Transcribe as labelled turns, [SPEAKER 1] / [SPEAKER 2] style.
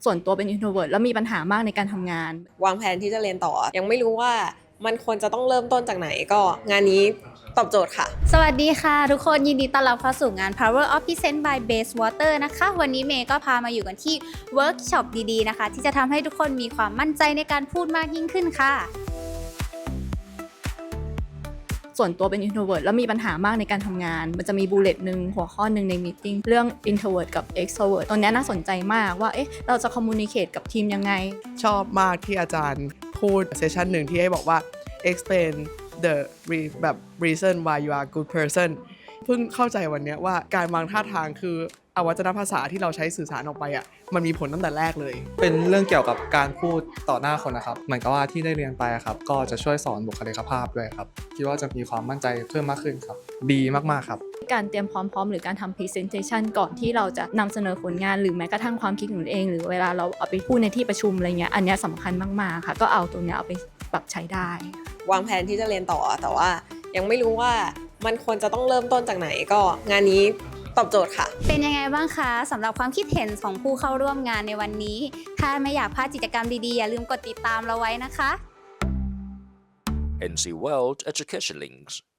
[SPEAKER 1] ส่วนตัวเป็น introvert แล้วมีปัญหามากในการทำงาน
[SPEAKER 2] วางแผนที่จะเรียนต่อยังไม่รู้ว่ามันควรจะต้องเริ่มต้นจากไหนก็งานนี้ตอบโจทย์ค่ะ
[SPEAKER 3] สวัสดีค่ะทุกคนยินดีต้อนรับเข้าสู่งาน Power of Present by Base Water นะคะวันนี้เมย์ก็พามาอยู่กันที่เวิร์กช็อปดีๆนะคะที่จะทำให้ทุกคนมีความมั่นใจในการพูดมากยิ่งขึ้นค่ะ
[SPEAKER 1] ส่วนตัวเป็น introvert แล้วมีปัญหามากในการทำงานมันจะมีบูลเลตหนึ่งหัวข้อหนึ่งในมีตติ้งเรื่อง introvert กับ extrovert ตรงนี้น่าสนใจมากว่าเราจะ communicate กับทีมยังไง
[SPEAKER 4] ชอบมากที่อาจารย์พูดเซสชันหนึ่งที่ให้บอกว่า explain the reason why you are a good person เพิ่งเข้าใจวันนี้ว่าการวางท่าทางคืออวัจนภาษาที่เราใช้สื่อสารออกไปมันมีผลตั้งแต่แรกเลย
[SPEAKER 5] เป็นเรื่องเกี่ยวกับการพูดต่อหน้าคนนะครับเหมือนกับว่าที่ได้เรียนไปครับก็จะช่วยสอนบุคลิกภาพด้วยครับคิดว่าจะมีความมั่นใจเพิ่มมากขึ้นครับดีมากๆครับ
[SPEAKER 1] การเตรียมพร้อมหรือการทำ presentation ก่อนที่เราจะนำเสนอผลงานหรือแม้กระทั่งความคิดของตัวเองหรือเวลาเราเอาไปพูดในที่ประชุมอะไรเงี้ยอันนี้สำคัญมากๆค่ะก็เอาตรงนี้เอาไปปรับใช้ได้
[SPEAKER 2] วางแผนที่จะเรียนต่อแต่ว่ายังไม่รู้ว่ามันควรจะต้องเริ่มต้นจากไหนก็งานนี้ตอบโจทย์ค่ะ
[SPEAKER 3] เป็นยังไงบ้างคะสำหรับความคิดเห็นของผู้เข้าร่วมงานในวันนี้ถ้าไม่อยากพลาดกิจกรรมดีๆอย่าลืมกดติดตามเราไว้นะคะ
[SPEAKER 6] NC World Education Links